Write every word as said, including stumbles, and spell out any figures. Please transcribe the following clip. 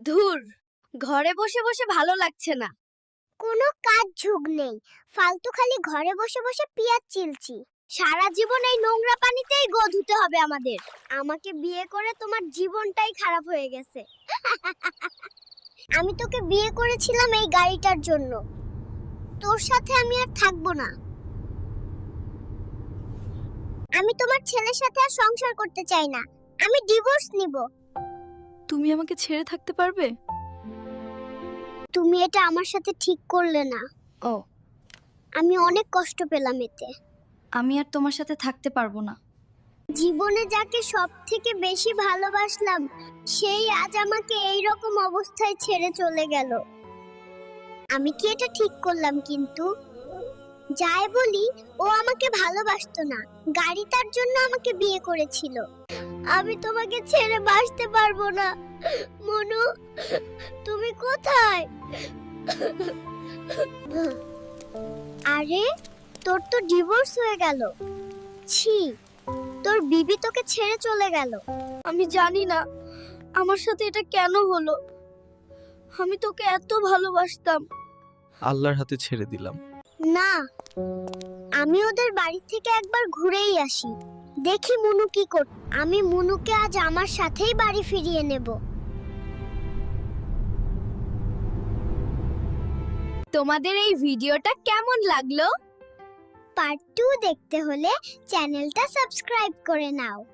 ধুর, ঘরে বসে বসে ভালো লাগছে না। কোনো কাজ ঝুঁক নেই, ফালতু খালি ঘরে বসে বসে পিয়াজ চিলছি। সারা জীবন এই নোংরা পানিতেই গো ধুতে হবে আমাদের। আমাকে বিয়ে করে তোমার জীবনটাই খারাপ হয়ে গেছে। আমি তোকে বিয়ে করেছিলাম এই গাড়িটার জন্য। তোর সাথে আমি আর থাকবো না। আমি তোমার ছেলের সাথে আর সংসার করতে চাই না। আমি ডিভোর্স নিব। তুমি আমাকে ছেড়ে থাকতে পারবে? তুমি এটা আমার সাথে ঠিক করলে না। ও, আমি অনেক কষ্ট পেলাম এতে। আমি আর তোমার সাথে থাকতে পারবো না। জীবনে যাকে সব থেকে বেশি ভালোবাসলাম সেই আজ আমাকে এই রকম অবস্থায় ছেড়ে চলে গেল। আমি কি এটা ঠিক করলাম? কিন্তু যাই বলি, ও আমাকে ভালোবাসতো না, গাড়ি তার জন্য আমাকে বিয়ে করেছিল। আমি তোমাকে ছেড়ে বাঁচতে পারবো না। মনু, তুমি কোথায়? আরে, তোর তো ডিভোর্স হয়ে গেল। ছি, তোর বিবি তোকে ছেড়ে চলে গেল। আমি জানি না আমার সাথে এটা কেন হলো। আমি তোকে এত ভালোবাসতাম। আল্লাহর হাতে ছেড়ে দিলাম। না, আমি ওদের বাড়ি থেকে একবার ঘুরেই আসি, দেখি মুনু কি কর। আমি মুনুকে আজ আমার সাথেই বাড়ি ফিরিয়ে নেব। তোমাদের এই ভিডিওটা কেমন লাগলো? পার্ট টু দেখতে হলে চ্যানেলটা সাবস্ক্রাইব করে নাও।